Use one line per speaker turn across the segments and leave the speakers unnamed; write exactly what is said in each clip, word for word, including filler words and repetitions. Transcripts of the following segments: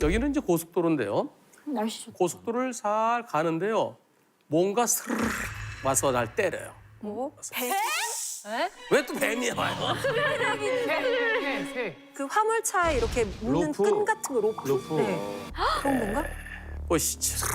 여기는 이제 고속도로인데요.
날씨 좋다.
고속도로를 살 가는데요. 뭔가 스르르 와서 날 때려요.
뭐? 배?
왜 또 뱀이 와요?
그 화물차에 이렇게 묶는
로프.
끈 같은 거 로프.
로프.
네. 그런 건가?
보시죠.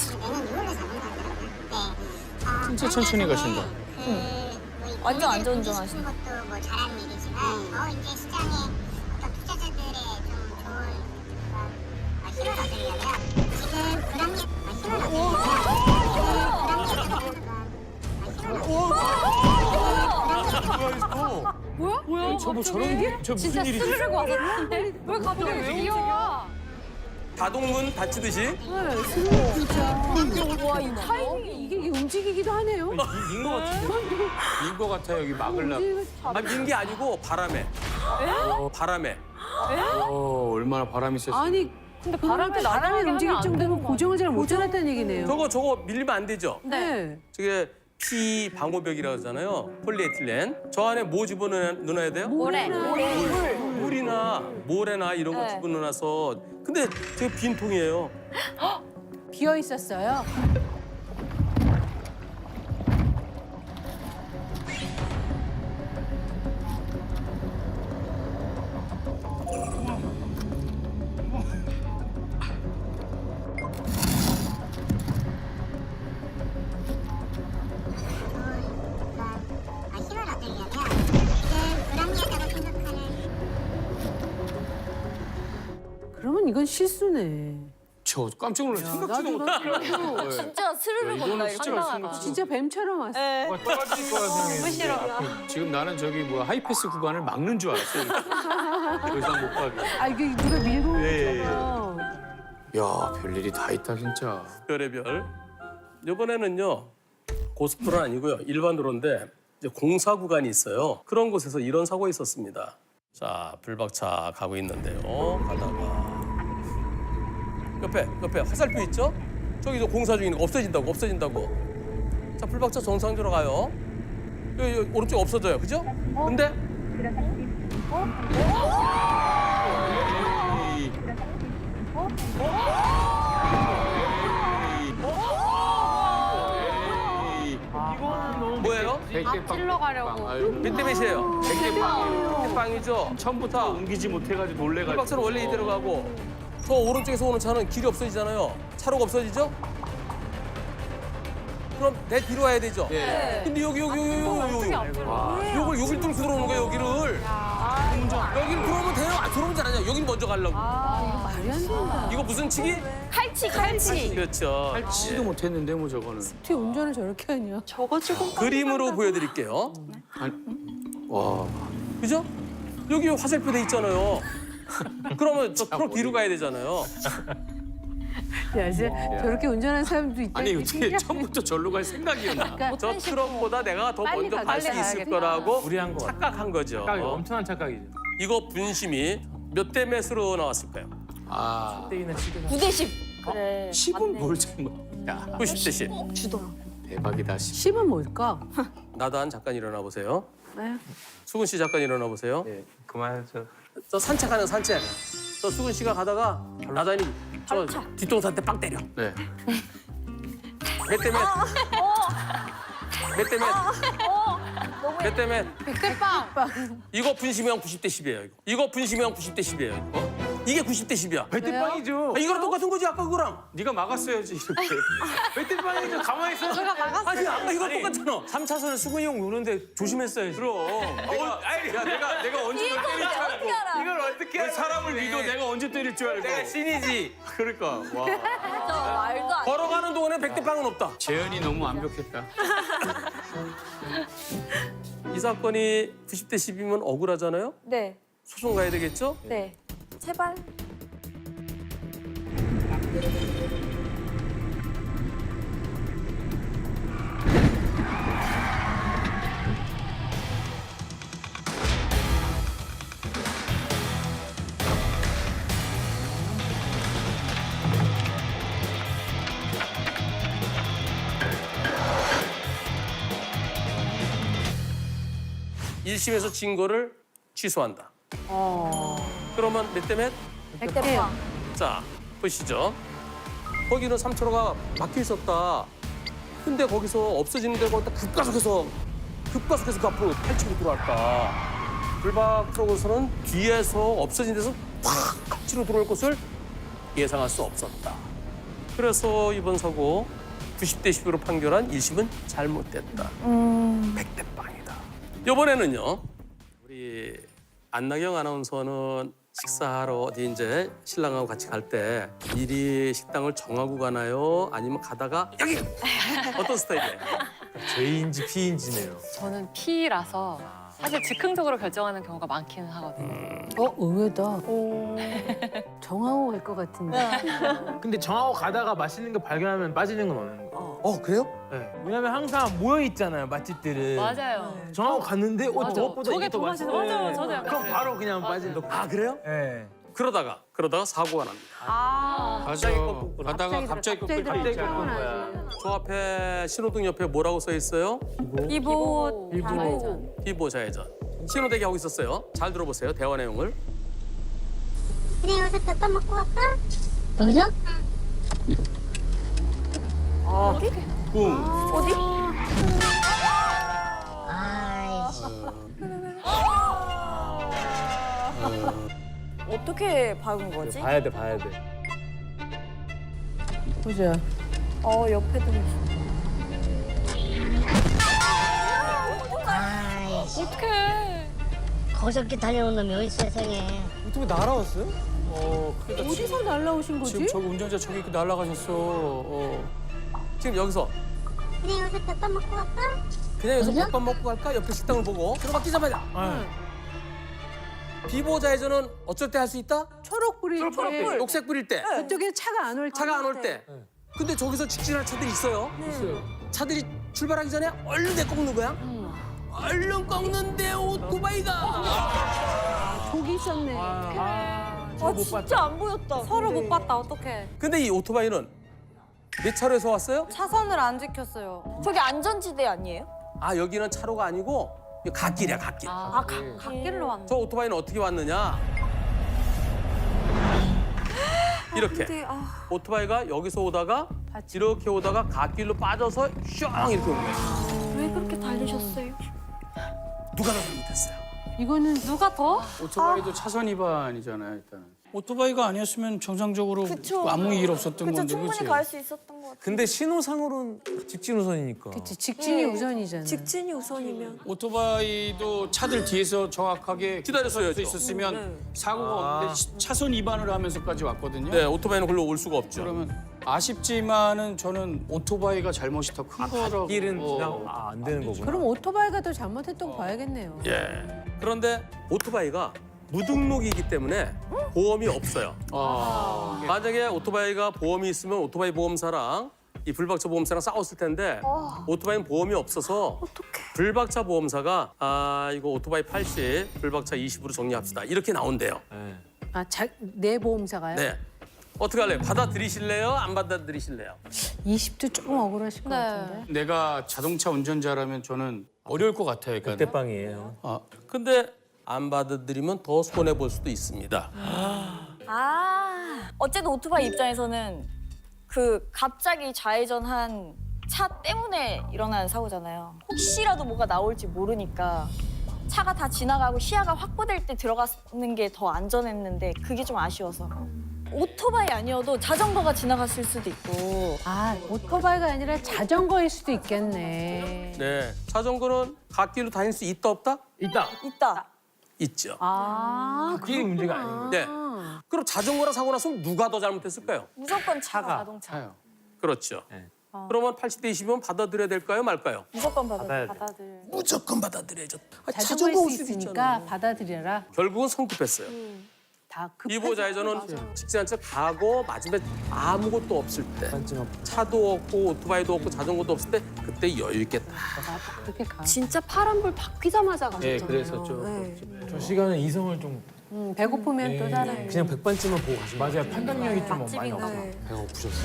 진짜 천천히 가신다.
완전 안전운전하시네.
것도 뭐 잘하는 일이지만 더 이제 시장에 어떤 투자자들의 좀 좋은 그런 어, 힘을 얻으려면 지금 불합리 어, 힘을 얻으려면
뭐야? 뭐야?
저 뭐 저런 게? 저 무슨
진짜
일이지?
스르륵 왔었는데 왜 갑자기 왜 귀여워?
다동문 닫히듯이
와, 이 타이밍이 이게 움직이기도 하네요.
민거 같은데? 민거 같아 여기 막으려고.
아, 민 게 아니고 바람에. 어, 바람에.
어, 얼마나 바람이 셌어.
아니, 근데 바람에 바람이 움직일 정도면 고정을 잘 못해놨다는 얘기네요.
저거 저거 밀리면 안 되죠?
네.
저게 피 방호벽이라고 하잖아요. 폴리에틸렌. 저 안에 뭐 집어넣어야 돼요?
모래.
물. 물이나 모래나 이런 거
네.
집어넣어서. 근데 저게 빈 통이에요.
비어 있었어요.
어, 힘을 얻으려면 지금 불합리하다고 생각하는
그러면 이건 실수네.
저 깜짝 놀랐어. 생각지도 못했어.
진짜 스르륵
이거는
온다.
진짜
이거
생각-
진짜 뱀처럼 왔어.
네.
떨어질 거라 생각했는데 앞에 지금 나는 저기 뭐야 하이패스 구간을 막는 줄 알았어. 더 이상 못 가게.
아, 이게 누가 밀고 온
예, 예.
거잖아.
야, 별일이 다 있다 진짜.
별의별. 이번에는요 고속도로는 아니고요 일반 도로인데 이제 공사 구간이 있어요. 그런 곳에서 이런 사고가 있었습니다. 자 불박차 가고 있는데요. 가다가 옆에 옆에 화살표 있죠? 저기서 공사 중인 거 없어진다고 없어진다고. 자 불박차 정상적으로 가요. 여기, 여기 오른쪽 없어져요, 그죠? 근데 뭐예요?
찔러 가려고.
몇 대 몇이에요?
백대빵.
대빵이죠.
처음부터 옮기지 못해가지고 놀래가지고.
불박차는 원래 이대로 가고 저 오른쪽에서 오는 차는 길이 없어지잖아요. 차로가 없어지죠? 그럼 내 뒤로 와야 되죠?
네.
근데 여기 여기 여기 여기 여기 여기 여기를 여길 뚫고 들어오는 거예요, 여기를. 여기를 들어오면 돼요? 아, 들어오면 잘하냐? 여긴 먼저 가려고.
말이 안 된다.
이거 무슨 치기?
칼치, 칼치.
그렇죠.
할지도 못했는데 뭐 저거는.
어떻게 운전을 저렇게 하냐.
저거 지금
그림으로 보여드릴게요.
아니, 와.
그죠? 여기 화살표 돼 있잖아요. 그러면 저 트럭 뒤로 가야 되잖아요.
야, 이제 저렇게 운전하는 사람도 있다.
아니 어떻게 처음부터 절로 갈 생각이었나?
저 트럭보다 내가 더
빨리
먼저
가,
갈 수
빨리
있을
가야겠다.
거라고
무리한 거 같아.
착각한 거죠.
착각이 엄청난 착각이죠.
이거 분심이 몇 대 몇으로 나왔을까요?
아,
때리는 시대가.
구 대 십. 그래.
십은 뭘 잘못? 야,
구십 대 십.
주더라.
대박이다. 십.
십은 뭘까?
나단 잠깐 일어나 보세요.
네.
수근 씨 잠깐 일어나 보세요.
네, 그만하죠.
저 산책하는 산책. 저 수근 씨가 가다가 나단이 저 뒷동산한테 빵 때려.
네.
몇 대 몇? 몇 대 몇? 몇 대 몇?
백대빵.
이거 분심형 구십 대 십이에요. 이거. 이거 분심형 구십 대 십이에요. 이거. 이게 구십 대 십이야.
백대빵이죠.
아, 이거랑 똑같은 거지 아까 그거랑.
네가 막았어야지 이렇게.
백대빵이죠. 가만히 있어.
아니 아까 이거 똑같잖아.
삼 차선에 수근이 형 노는데 조심했어야지.
그럼. 내가,
아니,
야 내가 내가 언제 널 때릴 줄 알고.
이걸 어떻게
왜 사람을 믿어 내가 언제 때릴 줄 알고.
내가 신이지.
그러니까 와.
저 말도 안 돼.
걸어가는 동안에 백 대 빵은 없다.
재현이 너무 완벽했다.
이 사건이 구십 대 십이면 억울하잖아요.
네,
소송 가야 되겠죠?
네. 제발.
일 심에서 진 거를 취소한다.
어.
그러면 몇 대 몇?
백대빵.
자, 보시죠. 거기는 삼차로가 막혀 있었다. 근데 거기서 없어지는 데가 거기다 급가속해서 급가속해서 그 앞으로 팔치고 들어왔다. 불박 쪽에서는 뒤에서 없어진 데서 팍 치러 들어올 것을 예상할 수 없었다. 그래서 이번 사고 구십 대 십으로 판결한 일 심은 잘못됐다. 백 대 빵이다. 이번에는요. 우리 안나경 아나운서는 식사하러 어디 이제 신랑하고 같이 갈 때 미리 식당을 정하고 가나요? 아니면 가다가 여기 어떤 스타일이에요?
J인지 P인지네요.
저는 P라서 사실 즉흥적으로 결정하는 경우가 많기는 하거든요.
어, 의외다. 정하고 갈 것 같은데.
근데 정하고 가다가 맛있는 거 발견하면 빠지는 건 없는 거.
어 그래요?
네. 왜냐면 항상 모여 있잖아요 맛집들은.
맞아요.
정하고 갔는데 어
맞아.
저것보다
저게
이게 더
더
맛있어.
맛있어. 맞아요. 저도 약간
그럼
그래요.
바로 그냥
맞아요.
빠지는 거.
아 그래요?
네.
그러다가 그러다가 사고가 납니다.
아.
가서 가다가 갑자기
갑자기
꺾일 때
갑자기
있잖아.
꺾은 거야.
저 앞에 신호등 옆에 뭐라고 써 있어요?
이보
좌회전.
비보 좌회전. 신호대기 하고 있었어요. 잘 들어보세요. 대화 내용을.
그래 여기서 덮밥 먹고 갈까? 여기서?
어디?
아이씨.
어떻게 박은 거지?
봐야 돼 봐야 돼.
보자.
어 옆에도 있어.
아이씨.
어떡해.
거저께 달려온 놈이 어디 세상에.
어떻게 날아왔어요?
어, 그러니까
어디서 날라오신 거지?
지금 저기 운전자 저기 이렇게 날아가셨어. 어.
지금 여기서
그래 여기서 덮밥 먹고 갈까?
그냥 여기서 덮밥 먹고 갈까? 옆에 식당을 보고 들어가기자마자 비보 좌회전은 어쩔 때 할 수 있다?
초록 불일 때.
녹색 불일 때.
그쪽에 차가 안 올 때.
차가 안 올 때. 근데 저기서 직진할 차들이 있어요.
있어요.
차들이 출발하기 전에 얼른 내 꺾는 거야. 얼른 꺾는데 오토바이가.
저기 있었네.
아,
아 진짜 안 보였다. 서로 못 봤다. 어떡해.
근데 이 오토바이는 몇 차로에서 왔어요?
차선을 안 지켰어요. 저기 안전지대 아니에요?
아 여기는 차로가 아니고 이거 갓길이야 갓길.
아,
아 가, 갓길로 왔네.
저 오토바이는 어떻게 왔느냐? 이렇게
근데 아
오토바이가 여기서 오다가 이렇게 오다가 갓길로 빠져서 슝 이렇게 온 거예요.
왜 그렇게 달리셨어요?
누가 더 잘못했어요?
이거는
누가 더?
오토바이도 차선 위반이잖아요, 일단은. 오토바이가 아니었으면 정상적으로
그쵸.
아무 일 없었던
그쵸
건데,
충분히
그치?
갈 수 있었던 것 같아.
근데 신호상으로는 직진 우선이니까.
그치, 직진이 우선이잖아.
직진이 우선이면.
오토바이도 차들 뒤에서 정확하게
기다렸어야죠.
서 있었으면
네.
사고가
아.
없는데 시- 차선 위반을 하면서까지 왔거든요.
네 오토바이는 글로 올 수가 없죠.
그러면 아쉽지만은 저는 오토바이가 잘못이 더 큰 거라고.
길은
어.
그냥 아, 안 되는 거구나.
그럼 오토바이가 더 잘못했던 거 봐야겠네요.
예. 그런데 오토바이가 무등록이기 때문에 보험이 없어요.
아.
만약에 오토바이가 보험이 있으면 오토바이 보험사랑 이 불박차 보험사랑 싸웠을 텐데 오토바이는 보험이 없어서 불박차 보험사가 아 이거 오토바이 팔십, 불박차 이십으로 정리합시다 이렇게 나온대요.
네.
아, 자, 내 보험사가요?
네. 어떻게 할래요? 받아들이실래요? 안 받아들이실래요?
이십도 조금 억울하실 것
네.
같은데.
내가 자동차 운전자라면 저는 어려울 것 같아요. 그러니까.
대빵이에요.
아,
근데 안 받아들이면 더 손해 볼 수도 있습니다.
아 어쨌든 오토바이 입장에서는 그 갑자기 좌회전한 차 때문에 일어난 사고잖아요. 혹시라도 뭐가 나올지 모르니까 차가 다 지나가고 시야가 확보될 때 들어가는 게 더 안전했는데 그게 좀 아쉬워서. 오토바이 아니어도 자전거가 지나갔을 수도 있고.
아, 오토바이가 아니라 자전거일 수도 있겠네.
네. 자전거는 갓길로 다닐 수 있다 없다?
있다.
있다.
있죠.
아,
길이 문제가 아닌 거예요.
네. 그럼 자전거랑 사고 났으면 누가 더 잘못했을까요?
무조건 차가.
자동차.
차요.
그렇죠.
네.
그러면 팔십 대 이십이면 받아들여야 될까요, 말까요?
무조건 받아.
받아야 돼.
받아들.
무조건 받아들여야죠. 아,
자전거일
올
수
수도
있으니까
있잖아.
받아들여라.
결국은 성급했어요.
다 급.
이보 좌회전은 직진한 채 가고 마지막에 아무것도 없을 때
반쯤
차도 없고 오토바이도 없고 자전거도 없을 때 그때 여유 있게 딱
그렇게 가.
진짜 파란불 바뀌자마자 가셨잖아요.
네, 그랬었죠.
네.
저 시간은 이성을 좀
음, 배고프면 또 사람.
그냥 백반쯤만 보고 가시면
맞아요. 판단력이 좀 많이
맛집이구나.
없어요.
네.
배가 고프셨어요.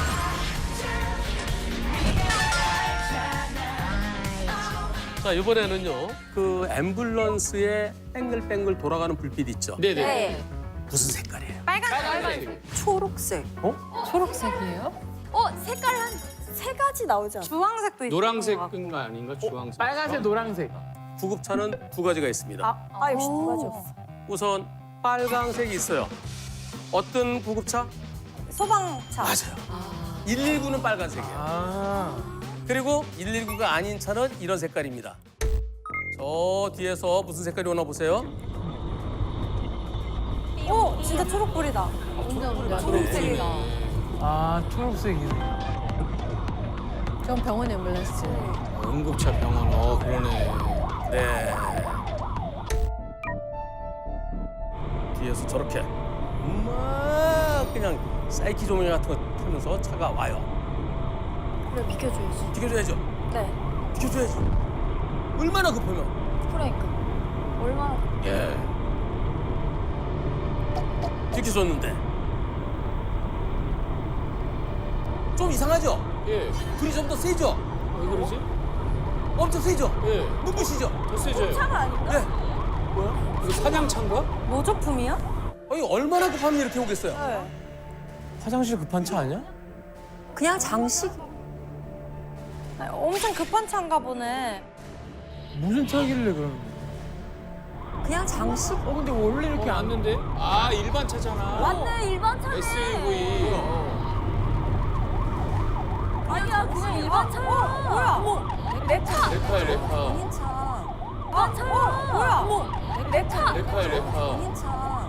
자, 이번에는요. 그 앰뷸런스에 뱅글뱅글 돌아가는 불빛 있죠.
네네.
네.
무슨 색깔이에요?
빨간색.
초록색.
초록색이에요?
어 색깔 한 세 가지 나오지 않아?
주황색도 있고.
노란색인 거 아닌가? 주황색.
빨간색, 노란색.
구급차는 두 가지가 있습니다.
아, 아 역시 두 가지 없어.
우선 빨강색이 있어요. 어떤 구급차?
소방차.
맞아요. 일일구는 빨간색이에요.
아.
그리고 일일구가 아닌 차는 이런 색깔입니다. 저 뒤에서 무슨 색깔이 오나 보세요.
오 진짜 초록불이다.
초록색이다.
아, 초록색이네.
전 병원 앰뷸런스.
어, 응급차 병원. 어, 그러네.
네. 뒤에서 저렇게 막 그냥 사이키 조명 같은 거 타면서 차가 와요.
그래 비켜줘야지.
비켜줘야죠.
네.
비켜줘야지. 얼마나 급하면.
그러니까 얼마나
예. 비켜줬는데 좀 이상하죠?
예.
불이 좀 더 세죠?
왜 그러지?
엄청 세죠?
예.
눈부시죠?
더 세져요.
차가 아닌가?
네.
뭐야? 이거 사냥차인가?
모조품이야?
아니 얼마나 급하면 이렇게 오겠어요?
네.
화장실 급한 차 아니야?
그냥 장식.
아니, 엄청 급한 차인가 보네.
무슨 차길래 그러는
그냥 장식.
어, 근데 원래 이렇게
이렇게
안.
왔는데? 아, 일반 차잖아.
맞네 일반 차네.
에스유브이. 어.
아니야 그냥 일반 차야. 어, 뭐야? 어머 내 차.
레카야, 레카.
본인 차.
아 차야. 어, 뭐야? 어머 내 차.
레카야, 레카.
본인 차.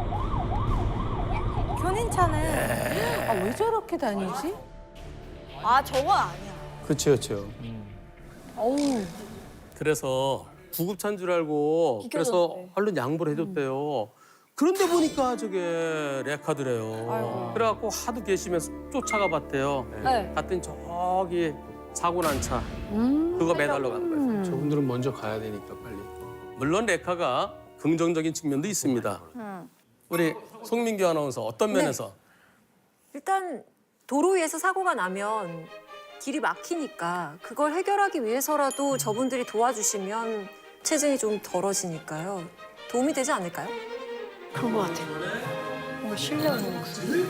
견인 차네.
아, 왜 저렇게 다니지?
아 저건 아니야.
그치, 그치.
어우.
그래서 구급차인 줄 알고 그래서
비켜줬대.
얼른 양보를 해줬대요. 그런데 보니까 저게 레카드래요. 그래갖고 하도 계시면서 쫓아가 봤대요.
네.
갔더니 저기 사고 난 차 그거 매달러 간 거예요.
저분들은 먼저 가야 되니까 빨리.
물론 레카가 긍정적인 측면도 있습니다. 우리 송민규 아나운서 어떤 면에서?
일단 도로 위에서 사고가 나면 길이 막히니까 그걸 해결하기 위해서라도 저분들이 도와주시면 체증이 좀 덜어지니까요. 도움이 되지 않을까요?
그런 거 같아. 뭔가 신뢰하는 목소리.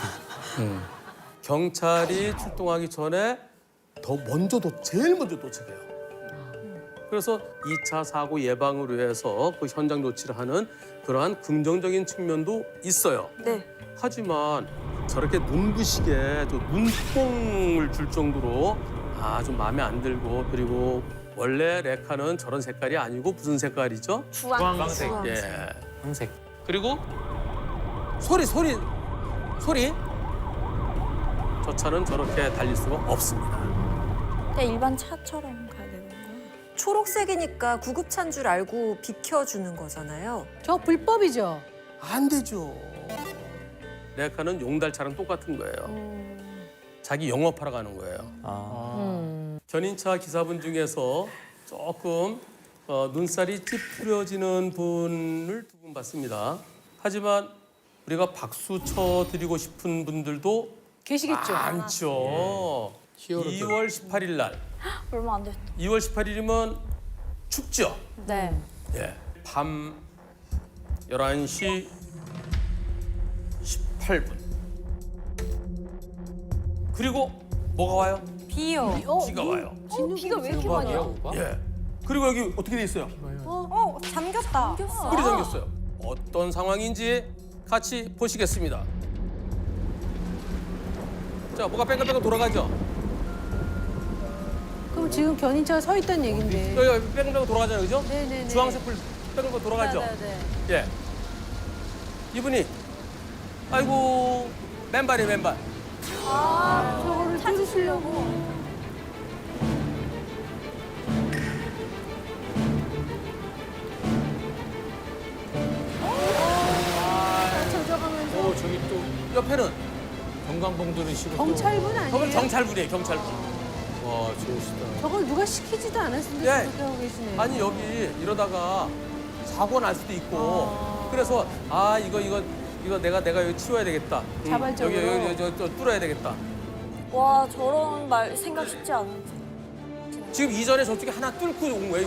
경찰이 출동하기 전에 더 먼저 도 제일 먼저 도착해요. 그래서 이 차 사고 예방을 위해서 그 현장 조치를 하는 그러한 긍정적인 측면도 있어요.
네.
하지만 저렇게 눈부시게 또 눈뽕을 줄 정도로 아 좀 마음에 안 들고 그리고 원래 레카는 저런 색깔이 아니고 무슨 색깔이죠?
주황색.
예.
황색.
그리고 소리 소리 소리 저 차는 저렇게 달릴 수가 없습니다.
그냥 일반 차처럼 가야 되는 거야.
초록색이니까 구급차인 줄 알고 비켜주는 거잖아요.
저 불법이죠?
안 되죠. 레카는 용달차랑 똑같은 거예요. 자기 영업하러 가는 거예요.
아.
견인차 기사분 중에서 조금 어, 눈살이 찌푸려지는 분을 두 분 봤습니다. 하지만 우리가 박수 쳐드리고 싶은 분들도
계시겠죠?
많죠.
히어로들.
이월 십팔일 날.
얼마 안 됐다.
이월 십팔일이면 춥죠.
네.
예. 밤 열한 시 십팔 분. 그리고 뭐가 와요?
비요.
비가 와요.
어, 비가 왜 이렇게 많이 와?
오빠?
예. 그리고 여기 어떻게 돼 있어요?
어, 잠겼다.
뿔이 잠겼어요. 어떤 상황인지 같이 보시겠습니다. 자, 뭐가 뺑글뺑글 돌아가죠?
그럼 지금 견인차가 서 있다는 얘긴데.
여기 여기 뺑글뺑글 돌아가잖아요, 그죠?
네네네.
주황색 불 뺑글뺑글 돌아가죠?
네네네.
예. 이분이 아이고 맨발이 맨발.
저거를 찾으시려고. 젖어가면서.
어, 저기 또
옆에는
경광봉 들으시고 또.
경찰분
저건
아니에요?
경찰분이에요, 경찰분.
와, 좋으시다.
저걸 누가 시키지도 않았는데
예.
그렇게 하고 계시네.
아니 여기 이러다가 사고 날 수도 있고 그래서 아 이거 이거 이거 내가 내가 여기 치워야 되겠다. 음,
자발적으로.
여기 여기 저, 저 뚫어야 되겠다.
와 저런 말 생각 쉽지 않은데.
지금 이전에 저쪽에 하나 뚫고 온 거예요,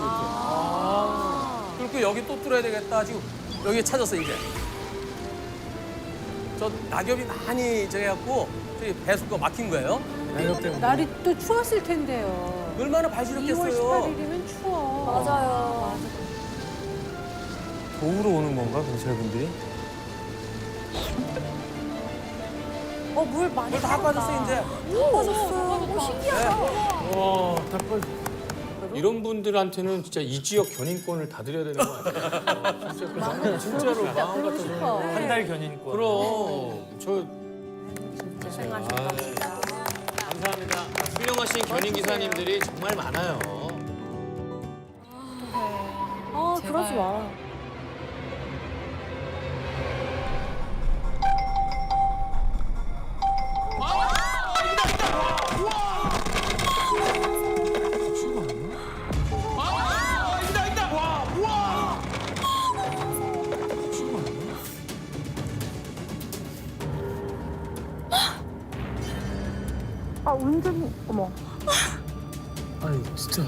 이것도. 뚫고 여기 또 뚫어야 되겠다. 지금 여기 찾았어 이제. 저 낙엽이 많이 저해갖고 저기 배수가 막힌 거예요.
낙엽 때문에.
날이 또 추웠을 텐데요.
얼마나
이월
발시렸겠어요.
십팔일이면 추워.
맞아요.
도우러 오는 건가 경찰분들이?
어, 물 많이
물 다 빠졌어 이제.
빠졌어. 오, 신기하다.
와, 다 빠져.
이런 분들한테는 진짜 이 지역 견인권을 다 드려야 되는 거 아니에요? 진짜 진짜로 마음 같아서.
한 달 견인권.
그럼 저
고생하셨다.
감사합니다. 훌륭하신 견인 기사님들이 정말 많아요.
아,
제발.
그러지 마. 아, 운전, 어머.
아니, 진짜.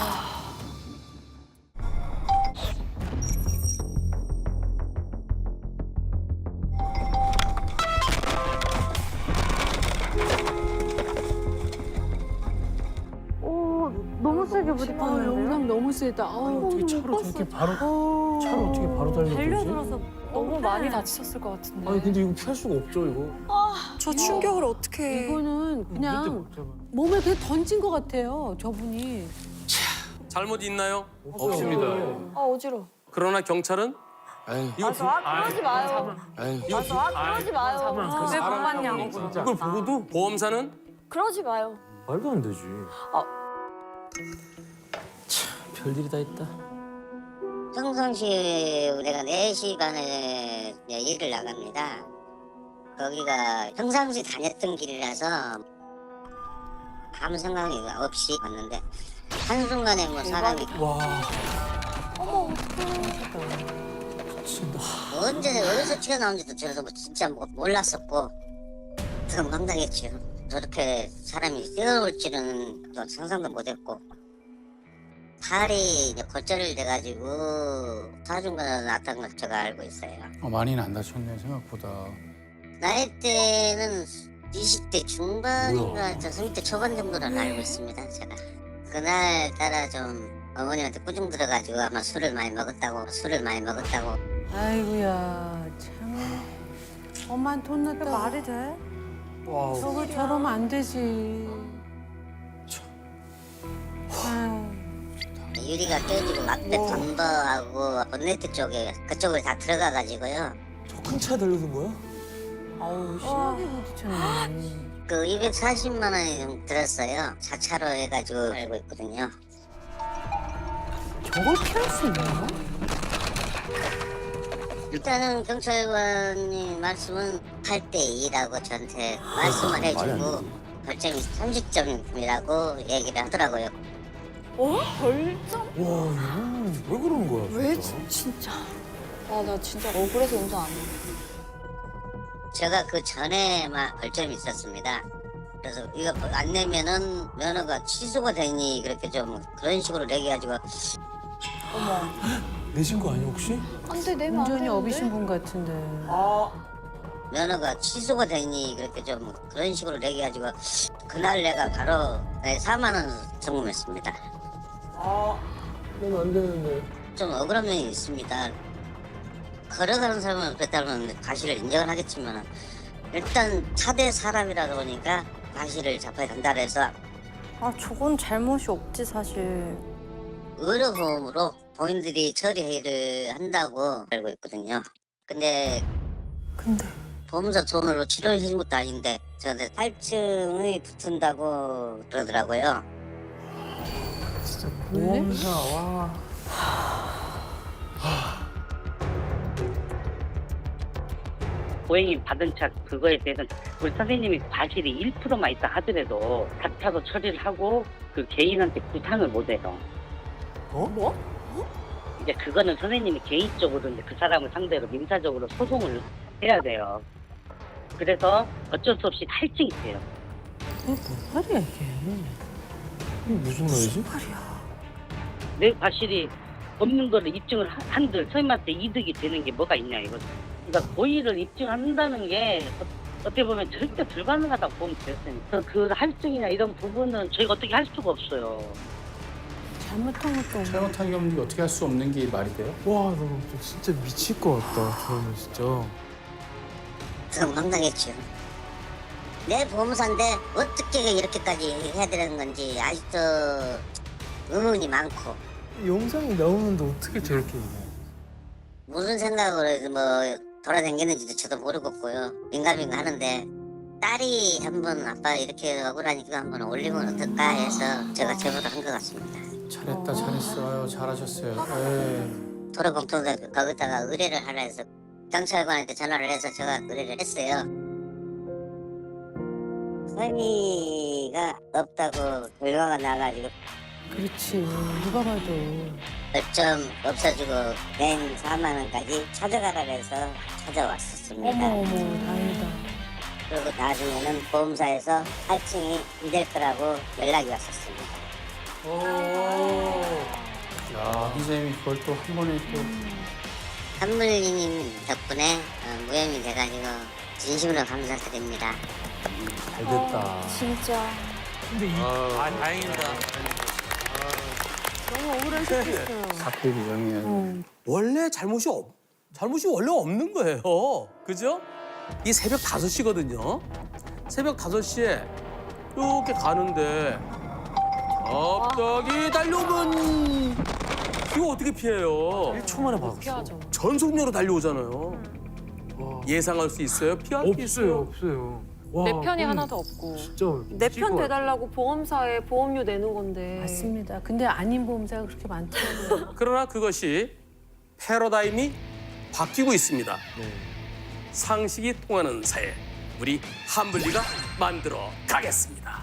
너무 세게
아, 영상 너무 세다. 아우,
어떻게 차로 저렇게 바로,
어.
차로 어떻게 바로 달려들지?
달려들어서
너무 많이 다치셨을 것 같은데.
아니, 근데 이거 피할 수가 없죠, 이거.
저 충격을 어떻게
이거는
밑에
그냥
못 잡아.
몸을 그냥 던진 것 같아요. 저분이.
잘못 있나요?
없습니다.
아, 어지러워.
그러나 경찰은
아유,
이거
맞아, 아, 그러지 마요.
아유.
맞아, 아, 그러지 마요.
사망.
왜
사람
봤냐고.
때문에 진짜.
이걸 보고도
보험사는
그러지 마요.
말도 안 되지. 참 별일이 다 있다.
평상시에 우리가 네 시 반에 이제 일을 나갑니다. 거기가 평상시 다녔던 길이라서 아무 생각이 없이 갔는데 한순간에 뭐 사람이
와.
어머, 어떡해.
진짜.
언제 어디서 튀어나온지도 저도 뭐 진짜 뭐 몰랐었고 더 황당했죠. 저렇게 사람이 뛰어올 줄은 또 상상도 못했고 팔이 이제 골절이 돼가지고 사중과가 났다는 걸 제가 알고 있어요.
어, 많이는 안 다쳤네 생각보다.
나이 때는 이십 대 중반인가 삼십 대 초반 정도로 알고 있습니다. 제가 그날 따라 좀 어머님한테 꾸중 들어가지고 아마 술을 많이 먹었다고 술을 많이 먹었다고
아이고야, 참. 엄만 돈 났다.
말이 돼?
와.
저거 저러면 안 되지. 아유.
유리가 깨지고 앞에 범버하고 본네트 쪽에 그쪽을 다 들어가가지고요.
저 큰 차 달려든 거야?
아우, 심하게 부딪혔네.
그 이백사십만 원이 좀 들었어요. 사 차로 해가지고 알고 있거든요.
저걸 피할 수 있나?
일단은 경찰관님 말씀은 팔 대 이라고 저한테 말씀을 해주고 벌점이 삼십 점이라고 얘기를 하더라고요.
어? 벌점?
와, 이거는 왜 그러는 거야?
왜
진짜?
진짜? 아, 나 진짜 억울해서 운전 안 해.
제가 그 전에 막 벌점이 있었습니다. 그래서 이거 안 내면은 면허가 취소가 되니 그렇게 좀 그런 식으로 내기가지고
어머.
내신 거 아니야 혹시?
안 돼, 내면 안
운전이
되는데.
어비신 분 같은데.
면허가 취소가 되니 그렇게 좀 그런 식으로 내기가지고 그날 내가 바로 사만 원 송금했습니다.
아, 그러면 안 되는데.
좀 억울한 면이 있습니다. 걸어가는 사람은 그랬다면 과실을 인정을 하겠지만 일단 차대 사람이라다 보니까 과실을 잡아야 된다 그래서
아, 저건 잘못이 없지, 사실.
의료보험으로 본인들이 처리를 한다고 알고 있거든요. 근데
근데.
보험사 돈으로 치료해 주는 것도 아닌데 저한테 탈증이 붙은다고 그러더라고요.
진짜 보험사, 와.
고객님 받은 차 그거에 대해서는 우리 선생님이 과실이 일 퍼센트만 있다 하더라도 자차로 처리를 하고 그 개인한테 부상을 못 해요.
어?
뭐?
이제 그거는 선생님이 개인적으로 이제 그 사람을 상대로 민사적으로 소송을 해야 돼요. 그래서 어쩔 수 없이 탈증이 돼요.
뭔 말이야, 이게.
이게 무슨 말이지?
내 과실이 없는 거를 입증을 한- 한들 선생님한테 이득이 되는 게 뭐가 있냐 이거. 그러니까 고의를 입증한다는 게 어떻게 보면 절대 불가능하다고 보면 되겠습니다. 그 할증이나 이런 부분은 저희가 어떻게 할 수가 없어요.
잘못한 것도 없고.
잘못한 게 없는 게 어떻게 할 수 없는 게 말이 돼요?
와, 나 진짜 미칠 것 같다. 저러면 진짜.
그럼 황당했죠. 내 보험사인데 어떻게 이렇게까지 해야 되는 건지 아직도 의문이 많고
영상이 나오는데 어떻게 저렇게 해?
무슨 생각으로 뭐 돌아다녔는지도 저도 모르겠고요. 민감민감 하는데 딸이 한번 아빠 이렇게 억울하니까 한번 올리면 어떨까 해서 제가 제보를 한 것 같습니다.
잘했다, 잘했어요. 잘하셨어요. 예.
도로공통도 거기다가 의뢰를 하라 해서 경찰관한테 전화를 해서 제가 의뢰를 했어요. 선의가 없다고 결과가 나가지고
그렇지. 누가 봐도.
좀 없어지고 낸 사만 원까지 찾아가라 해서 찾아왔었습니다.
어머 어머 다행이다.
그리고 나중에는 보험사에서 할증이 안 될 거라고 연락이 왔었습니다.
야, 선생님이 그걸 또 한 번에 또.
한물님 덕분에 어, 무혐의 돼가지고 진심으로 감사드립니다.
잘 됐다.
진짜.
아, 다행이다.
너무 억울할 수도 있어요.
사표 규정이에요.
어.
원래 잘못이 없, 잘못이 원래 없는 거예요. 그죠? 이 새벽 다섯 시거든요. 새벽 다섯 시에 이렇게 가는데 갑자기 달려오면 이거 어떻게 피해요?
일 초 만에
어떻게
받았어.
하죠?
전속력으로 달려오잖아요.
와,
예상할 수 있어요? 피할 수
없어요,
있어요?
없어요. 와,
내 편이
그럼
하나도 없고.
진짜
내
미칠
편
것 같아.
대달라고 보험사에 보험료 내는 건데.
맞습니다. 근데 아닌 보험사가 그렇게 많더라고요.
그러나 그것이 패러다임이 바뀌고 있습니다. 상식이 통하는 사회, 우리 한블리가 만들어 가겠습니다.